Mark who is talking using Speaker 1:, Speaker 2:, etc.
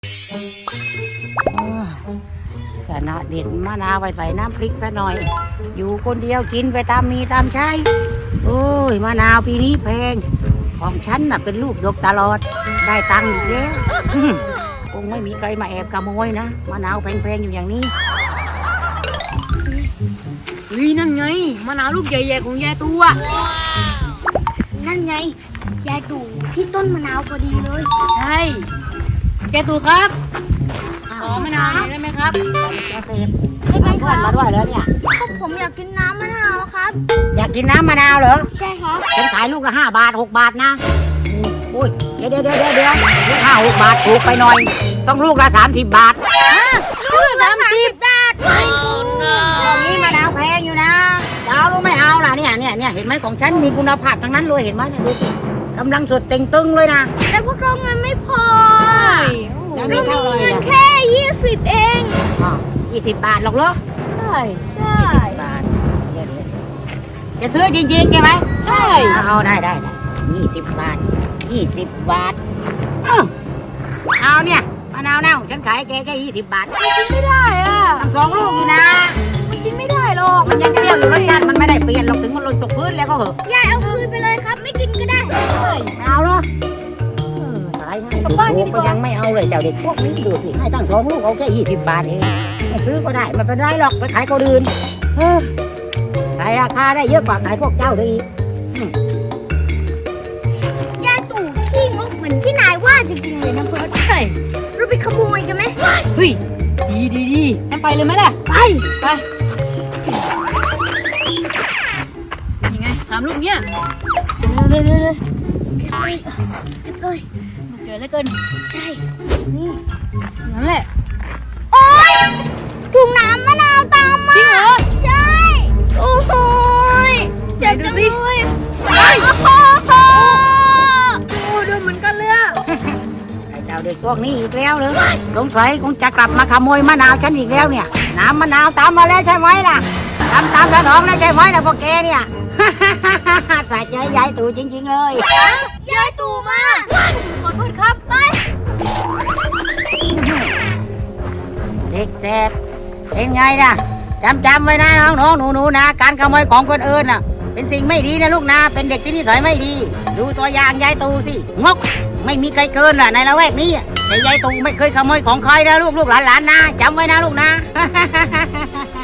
Speaker 1: ชนะเด็ดมะนาวไปใส่น้ำพริกซะหน่อยอยู่คนเดียวกินไปตามมีตามใช้โอ้ยมะนาวปีนี้แพงของฉันน่ะเป็นลูกดกตลอดได้ตังค์อีกแล้วคงไม่มีใครมาแอบขโมยนะมะนาวแพงๆอยู่อย่างนี้
Speaker 2: นั่นไงมะนาวลูกใหญ่ๆของยายตัว
Speaker 3: นั่นไงยายตู่ที่ต้นมะนาวพอดีเลย
Speaker 2: ใช่ยายตู่ครับขอมะนาวหน่อยได้ไหมครับ
Speaker 1: จะเสพเอาเพื่อนมาด้วยแล้วเนี่ย
Speaker 3: ก็ผมอยากกินน้ำมะนาวครับ
Speaker 1: อยากกินน้ำมะนาวเหรอ
Speaker 3: ใช่ครับ
Speaker 1: ฉันขายลูกละ5 บาท 6 บาทนะอุ้ยเดี๋ยวลูก5 6 บาทถูกไปหน่อยต้องลูกละ30 บาท
Speaker 3: ลูกละ30 บาท
Speaker 1: ตรงนี้มะนาวแพงอยู่นะจะเอาลูกไม่เอาล่ะเนี่ยเห็นไหมของฉันมีคุณภาพทั้งนั้นเลยเห็นไหมดูสิกำลังสดเต่งตึงเลยนะ
Speaker 3: แต่พวกเราเงินไม่พอ
Speaker 1: เรา
Speaker 3: มีเงินแค่20เอง
Speaker 1: 20 บาทหรอกเหรอ
Speaker 3: ใช่
Speaker 1: บาทจะซื้อจริงๆใช่ไหม
Speaker 2: ใช่
Speaker 1: เอาได้20 บาท20 บาทเอาเนี่ยมะนาวเน่าฉันขายแกแค่20 บาท
Speaker 3: มันกินไม่ได้อ่ะ
Speaker 1: ทั้ง2 ลูกอยู่นะ
Speaker 3: มันกินไม่ได้หรอก
Speaker 1: มันยังเปรี้ยวอยู่รสชาติมันไม่ได้เปลี่ยนหรอกถึงมันหล่นตกพื้นแล้วก็เหอะ
Speaker 3: ยายเอาคืนไปเลยครับไม่กินก็ได้
Speaker 1: เอาเหรอขายให้ถูกก็ยังไม่เอาเลยเจ้าเด็กพวกนี้ดูสิให้ตั้ง2 ลูกเอาแค่20 บาทเองไม่ซื้อก็ได้มันเป็นไรหรอกไปขายคนอื่นขายราคาได้เยอะกว่าขายพวกเจ้าเลยอีก
Speaker 3: ยายตู่ขี้งกเหมือนที่นายว่าจริงๆเลยนะเพิร์ด
Speaker 2: ใช่
Speaker 3: เราไปขโมยกันไหม
Speaker 2: เฮ้ยดีงั้นไปเลยไหมล่ะ
Speaker 3: ไป
Speaker 2: ยังไง3 ลูกเนี้ย
Speaker 3: เลยเก็บเลย
Speaker 2: เจอแล้วเกิน
Speaker 3: ใช่นี่
Speaker 2: นั่นแหละ
Speaker 3: โอ๊ยถุงน้ำมะนาวตามมา
Speaker 2: จริงเหรอ
Speaker 3: ใช่โอ้โหเจ็บจังเลยโอ้ดูเหมือนกันเลย
Speaker 1: ไอ้เจ้าเด็กพวกนี้อีกแล้วเลยสงสัยคงจะกลับมาขโมยมะนาวฉันอีกแล้วเนี่ยน้ำมะนาวตามมาแล้วใช่ไหมล่ะตามสนองแล้วใช่ไหมล่ะพวกแกเนี่ยสะใจยายตู่จริงๆเลย
Speaker 3: ยายตู่มา
Speaker 2: ขอโทษครับไป
Speaker 1: เด็กแสบเป็นไงล่ะจำไว้นะน้องหนูนะการขโมยของคนอื่นน่ะเป็นสิ่งไม่ดีนะลูกนะเป็นเด็กที่นิสัยไม่ดีดูตัวอย่างยายตู่สิงกไม่มีใครเกินล่ะในละแวกนี้แต่ยายตู่ไม่เคยขโมยของใครนะลูกหลานนะจำไว้นะลูกนะ